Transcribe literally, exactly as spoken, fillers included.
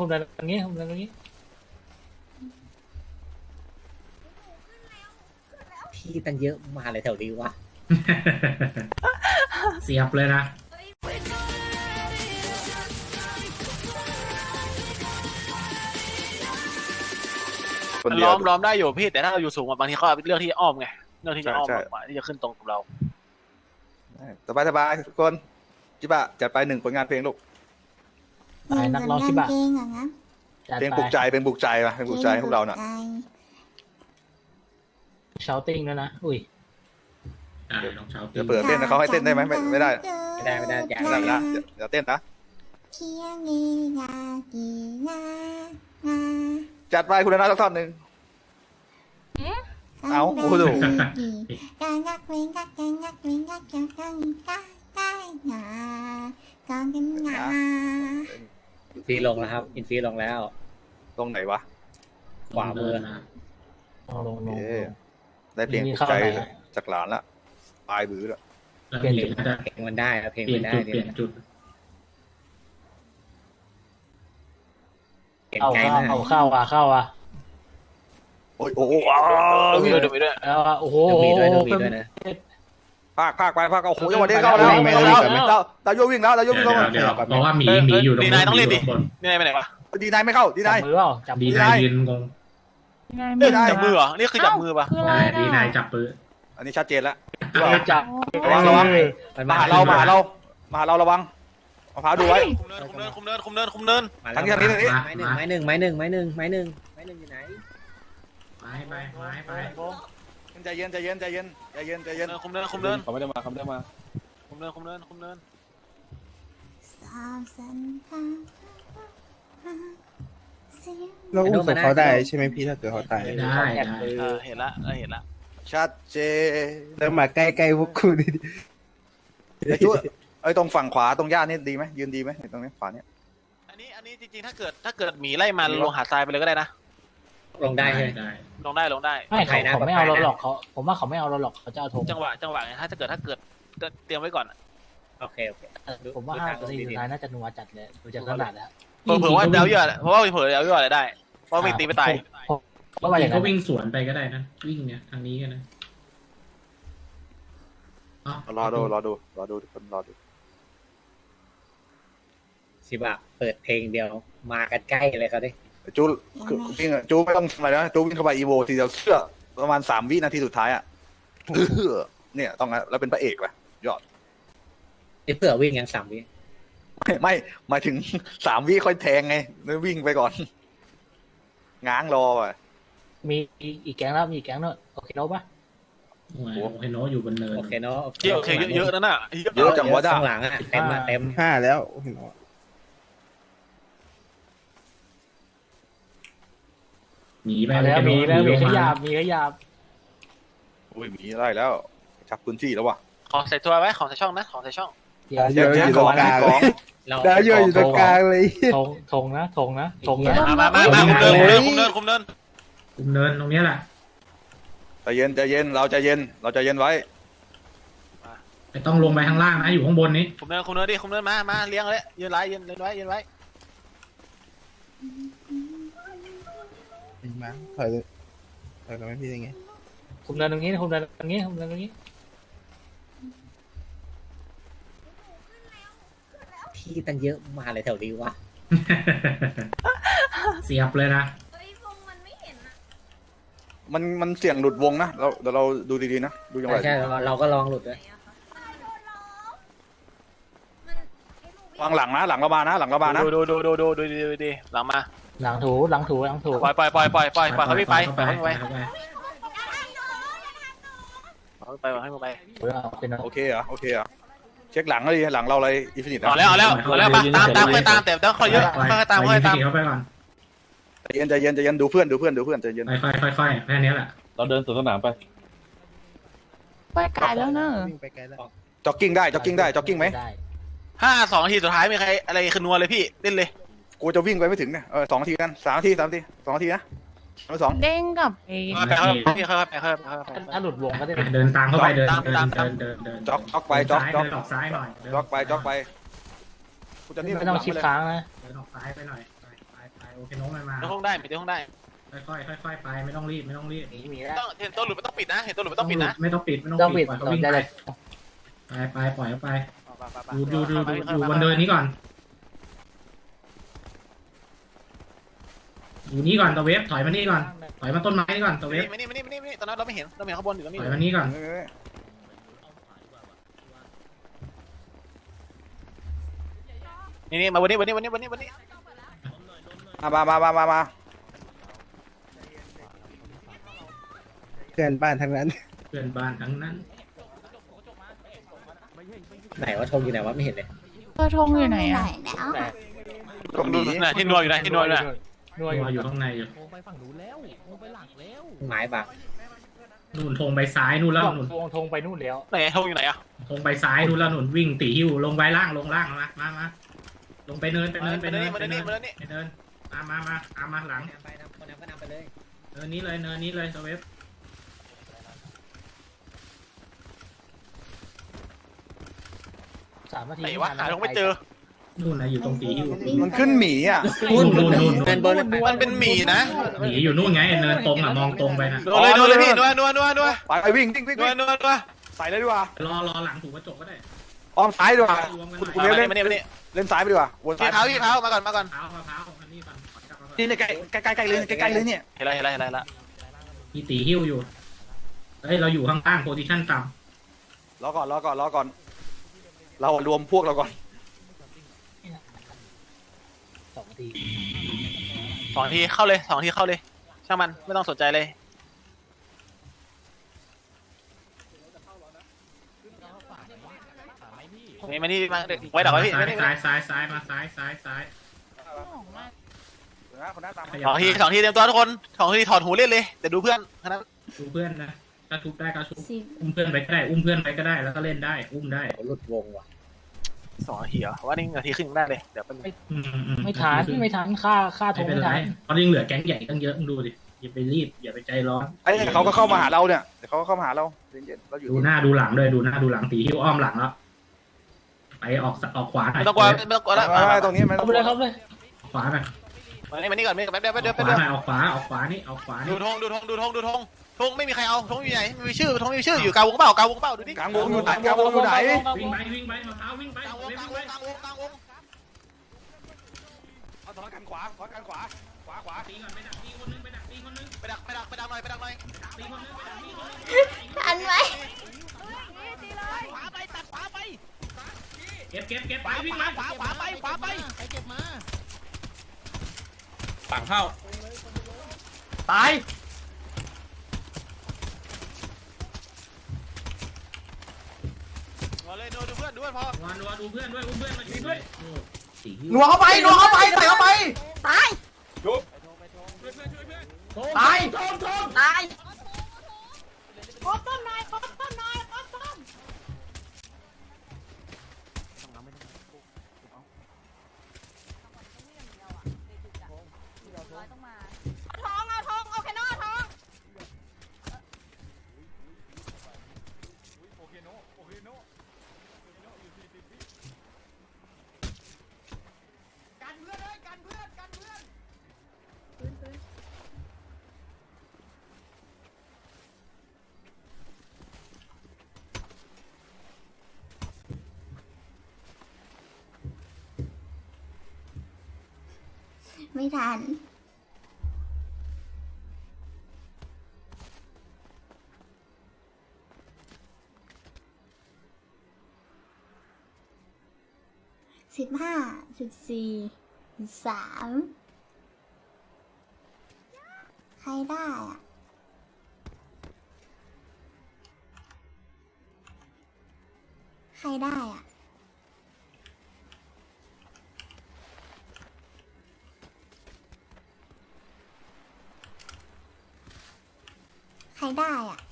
ผมเดินตรงนี้ผมเดินตรงนี้พี่ตั้งเยอะมาเลยแถวนี้วะเสียบเลยนะล้อมล้อมได้อยู่พี่แต่ถ้าเราอยู่สูงบางทีเขาเลือกที่จะอ้อมไงเลือกที่จะอ้อมมากกว่าที่จะขึ้นตรงกับเราสบายสบายทุกคนจิบะจัดไปหนึ่งผลงานเพลงลูกไปนักร้องชิบะเพลงเหรอนะเพลงปลุกใจเพลงปลุกใจมาเพลงปลุกใจพวกเราน่ะชาวติ้งด้วยนะอุ้ยอ่าน้องเช้าตีจะเปิดเต้นนะเขาให้เต้นได้ไหมไม่ไม่ได้ไม่ได้ไม่ได้อย่าไม่ได้นะเดี๋ยวเต้นนะเคียงเงียกีนานาจัดไปคุณนาสักท่อนหนึ่ง เอาโอ้โหการยักเว้นยักยังยักเว้นยักยังยังได้ได้หนาการกันหนาอินฟีลงแล้วครับอินฟีลงแล้วตรงไหนวะขวามือนะลงลงลงเอ๊ะได้เพลงปลุกใจจากหลานละปลายบื้อละแล้วเปลี่ยนมีจุดน่าจะเพลงมันได้เพลงเปลี่ยมัน นได้จุดเปลี่ยนจุดเปลี่ยนไกลมากเอาเข้าอ่ะเข้าอ่ะโอ้ยโอ้โหดูด้วยดูด้วยแล้วโอ้โหมีด้วยมีด้วยนะภาคภาคไปภาคโอ้โหจังหวะนี้เข้าแล้วเข้าแล้วดาวดาวโยวิ่งแล้วดาวโยเดี๋วิ่ยวงแล้วเดี๋ยวเพราะว่าหมีหมีอยู่ตรงดีนายต้องรีบดิบนดีนายไปไหนวะดีนายไม่เข้าดีจันาบยมือเปล่าจับดีมือนายยืนงงไม่ได้จับมือเหรอนี่คือจับมือปะได้ดีนายจับปืนอันนี้ชัดเจนแล้วจับระวังระวังมันมามาหาเรามาหาเรามาหาเราระวังมะพร้าวดูไว้คุมเนินคุมเนินคุมเนินคุมเนินคุมเนินทางนี้ทางนี้ทางนี้ไม้หนึ่งไม้หนึ่งไม้หนึ่งไม้หนึ่งไม้หนึ่งไม้หนึ่งอยู่ไหนไม้ไปไม้ไปใจเย็นใจเย็นใจเย็นใจเย็นใจเย็นคุมเนินคุมเนินเขาไม่ได้มาเขาไม่ได้มาคุมเนินคุมเนินคุมเนินสามสันทาเสียงเราอุ้มศพเขาได้ใช่ไหมพี่ถ้าเกิดเขาตายได้ได้เออเห็นละเออเห็นละชัดเจนแล้วมาใกล้ๆพวกกูดิไอ้จุ๊ไอ้ตรงฝั่งขวาตรงย่านนี่ดีไหมยืนดีไหมตรงนี้ขวาเนี่ยอันนี้อันนี้จริงๆถ้าเกิดถ้าเกิดหมีไล่มาลงหาดทรายไปเลยก็ได้นะลงได้ใช่ไหมได้ลงได้ลงได้ไม่เขาเขาไม่เอาเราหรอกเขาผมว่าเขาไม่เอาเราหรอกเขาจะเอาธงจังหวะจังหวะไงถ้าเกิดถ้าเกิดเตรียมไว้ก่อนโอเคโอเคผมว่าห้านาทีสุดท้ายน่าจะนัวจัดเลยดูจากขนาดแล้วเผื่อว่าเดาเยอะเพราะว่าเผื่อเดาเยอะอะไรได้เพราะมีตีไปตายเพราะว่าจอริย่าง งก็นั้นวิ่งสวนไปก็ได้นะวิ่งเนี่ยทางนี้กันนะรอดูรอดูรอดูทุกคนรอดูชิบะเปิดเพลงเดียวมากันใกล้เลยเขาดิจูคือวิ่งจูไม่ต้องทำอะไรนะจูวิ่งเข้าไปอีโวทีเดียวเชื่อประมาณสามวินาทีสุดท้ายอ่ะเนี่ยต้องแล้วเป็นพระเอกว่ะยอดไอ้เผื่อวิ่งยังสามวิไม่ไม่หมายถึงสามวิค่อยแทงไงแล้ววิ่งไปก่อนง้างรออ่ะมีอีกแก๊งแล้วมีอีกแก๊งเนอะโอเคโน้ปะโอ้โหเฮโนอยู่บนเนินโอเคเนาะโอเคเยอะๆนั่นน่ะเยอะจังวะจ้าข้างหลังอ่ะเต็มมาเต็มห้าแล้วเห็นไหมหนีไปมาแล้วมีแล้วมีขยับมีขยับอุ้ยหมีได้แล้วจับพื้นที่แล้วว่ะขอใส่ตัวไว้ขอใส่ช่องนะขอใส่ช่องเดี๋ยวเยอะอยู่ตรงกลางของเราดาวเยอะอยู่ตรงกลางเลยธงธงนะธงนะธงนะมามามาคุมเนินคุมเนินคุมเนินคุมเนินตรงนี้แหละใจเย็นใจเย็นเราใจเย็นเราใจเย็นไว้ไม่ต้องลงไปข้างล่างนะอยู่ข้างบนนี้คุมเนินคุมเนินดิคุมเนินมามาเลี้ยงเลยยืนไว้ยืนไว้ยืนไว้มาถอยเลยถอยกันไหมพี่ยังไงคุมเดินตรงนี้คุมเดินตรงนี้คุมเดินตรงนี้พี่ตั้งเยอะมาเลยแถวนี้วะเสียบเลยนะมันมันเสี่ยงหลุดวงนะเราเดี๋ยวเราดูดีๆนะดูจังหวะใช่เราก็ลองหลุดด้วยวางหลังนะหลังเรามานะหลังเรามานะดูดูดูดูดูดูดูดูหลังมาหลังถูหลังถูหลังถูปล่อยปล่อยปล่อยปล่อยปล่อยปล่อยเขาไม่ไปเข้าปไปล่อยเขาเข้าไม่ไปไปปล่อยเขาไม่ไปเป็นโอเคเหรอโอเคเหรอเช็คหลังเลยหลังเราอะไรอินฟินิตเอาแล้วเอาแล้วเอาแล้วมาตามตามค่อยตามแต่ต้องค่อยเยอะค่อยตามค่อยตามเข้าไปก่อนใจเย็นใจเย็นใจเย็นดูเพื่อนดูเพื่อนดูเพื่อนใจเย็นค่อยค่อยค่อยแค่นี้แหละเราเดินสวนสนามไปไปไกลแล้วเนอะวิ่งไปไกลแล้วจ็อกกิ้งได้จ็อกกิ้งได้จ็อกกิ้งไหมได้ห้าสองนาทีสุดท้ายมีใครอะไรขึ้นนัวเลยพี่เล่นเลยกูจะวิ่งไปไม่ถึงเนี่ยเออสองนาทีกันสามนาทีสามนาทีสองนาทีนะเอาสองเด้งกับไอ้ไปค่อยพี่ค่อยไปค่อยไปค่อยไปถ้าหลุดวงก็ได้เดินตามเข้าไปเดินตามเดินตามเดินเดินเดินจ็อกจ็อกไปจ็อกจ็อกเดินออกซ้ายหน่อยจ็อกไปจ็อกไปกูจะนี่ไม่ต้องชิดค้างนะเดินออกซ้ายไปหน่อยไปไปไปโอเคโน้ตมามาเดี๋ยวห้องได้ปิดห้องได้ค่อยๆค่อยๆไปไม่ต้องรีบไม่ต้องรีบหนีมีแล้วต้องเห็นตัวหลุดไม่ต้องปิดนะเห็นตัวหลุดไม่ต้องปิดนะไม่ต้องปิดไม่ต้ต้ออง งปิปิดดปล่อยเขาเราวิ่งจะไปได้ไปไปปล่อยเขาไปไปไปไปดูดูดูเข้าดูมาดูเข้าบมานเดินนี้ก่อนดูนี้ก่อนตะเวฟถอยมานี่ก่อนถอยมาต้นไม้นี่ก่อนตะเวฟมานี่มานี่มานี่มานี่ตอนนั้นเราไม่เห็นเราไม่เห็นข้างบนอยู่แล้วไม่ถเห็อยนมานี่ก่อนนี่นี่มาวันนี้วันนี้วันนี้วันนี้วันนี้มามามามามาเพื่อนบ้านทั้งนั้นเพื่อนบ้านทั้งนั้นไหนว่าธงอยู่ไหนวะไม่เห็นเลยตัวธงอยู่ไหนไหนอ่ะแล้วแต่ก็มีน่ะที่นัวอยู่นะที่นัวอยู่นะนัวตัวออยู่ ยู่ข้างในอยู่หมายบักนู่นธงไปซ้ายนู่นแล้วนู่นธงธงไปนู่นแล้วไหนธงอยู่ไหนอ่ะธงไปซ้ายนู่นแล้วนู่นวิ่งตีหิ้วลงไปล่างลงล่างมามามาลงไปเนินไปมาเนินไปเดิเนินนมาไปเดินเนินี่นมาเดินนี่ไปเนินมามามาอามาหลังไปนำคนนำก็นำไปเลยเนินนี้เลยเนินนี้เลยตะเวฟสามนาทีไหนวะหาธงไม่เจอนู่นนะอยู่ตรงตีหิ้วมันขึ้นหมีอ่ะนู่นนู่นนู่นเดินเบอร์เลยมันเป็นหมีนะหนีอยู่นู่นไงเนินตรงอ่ะมองตรงไปนะนัวเลยนัวเลยพี่นัวนัวนัวนัวไปไปวิ่งวิ่งวิ่งนัววิ่งนัวนัวใส่เลยดีกว่ารอรอหลังถูกกระจกก็ได้อ้อมซ้ายดีกว่ารวมกันคุณหคุณน่อยเล่นมาเล่นเนี่ยมาเนี่ยเล่นซ้ายไปดีกว่าวนซ้าพี่ยเท้าพี่เท้ามาก่อนมาก่อนเท้ามะพร้าวอันนี้ก่อนขอกลับมาก่อนนี่เนี่ยใกล้ใกล้ใกล้ใกล้เลยใกล้ใกล้เลยเนี่ยเห็นแล้วเห็นแล้วเห็นแล้วเห็นแล้วมีตีหิ้วอยู่เฮ้ยเราอยู่ข้างล่างโพซิชั่นต่รอก่อนรอก่อนรอก่อน เรารวมพวกเราก่อนสองนาทีสองทีเข้าเลยสองทีเข้าเลยช่างมันไม่ต้องสนใจเลยนี่มานี่มาไว้ดักไว้พี่ซ้ายไม่ซ้ายซ้ายซ้ายมาซ้ายซ้ายซ้ายคนหน้าตามสองทีสองทีเตรียมตัวทุกคนสองทีถอดหูเล่นเลยแต่ดูเพื่อนแค่นั้นดูเพื่อนนะถ้าทุบได้ก็ทุบสิบอุ้มเพื่อนไปก็ได้อุ้มเพื่อนไปก็ได้แล้วก็เล่นได้อุ้มได้หลุดวงว่ะสองนาทีเหรอว่านี่นาทีครึ่งได้เลยเดี๋ยวเป็นอืมอืไม่ทันไม่ทันค่าค่าธไม่งเป็นไม่ไรทันเพราะยังเหลือแก๊งใหญ่ตั้งเยอะมึงดูดิอย่าไปรีบอย่าไปใจร้อนไอ้เขาก็เข้ามาหาเราเนี่ยเดี๋ยวเขาก็เข้ามาหาเราเย็นๆเราอยู่ดูหน้าดูหลังด้วยดูหน้าดูหลังตีหิ้วอ้อมหลังแล้วไปออกออกขวาหน่อยไม่ต้องกลัวไม่ต้องกลัวแล้วไม่ไม่ตรงนี้ไม่ต้เอาองไปเลยครับเลยออกขวาหน่อยมานี่มานี่ก่อนไม่แป๊บเดียวอแป๊อบ กเดียวขแป๊บวาเดียวหน่อยออกขวาออกขวานี่ออกขวาดูนี่ธงดูธงดูธงดูธงธงไม่มีใครเอาธงอยู่ไหนไม่มีชื่อธงไม่มีชื่ออยู่กลางวงเปล่ากลางวงเปล่าดูดิกลางวงอยู่ไหนกลางวงอยู่ไหนวิ่งไปวิ่งไปมะพร้าววิ่งไปกลางวงวิ่กลางงวไปงกลางวงกลางวงเอาถอยกันขวาถอยกันขวาขวาขวาตีก่อนไปดักตีคนนึงไปดักตีคนนึงไปดักไปดักไปดักหน่อยไปดักหน่อยตีคนนึงไปดักตีคนนึงทันไหมขวาไปตัดขวาไปเก็บเก็บเก็บขไปวาวิ่งขไปวาขวาขวาไปขวาไปฝั่งเข้าตายมาเลยดูดูเพื่อนดูเพื่อนพอวันวันดูเพื่อนด้วยอุ้มเพื่อนมาช่วยด้วยตีหิ้วหนัวเข้าไปหนัวเข้าไปใส่เข้าไปตายตายตายครบต้นหน่อยครบต้นหน่อยครบต้นทองเอาทองเอาแค่นอทองกันเพื่อนเลยกันเพื่อนกันเพื่อนไม่ทันสิบห้าสิบสี่สามใครได้อะใครได้อะใครได้อะ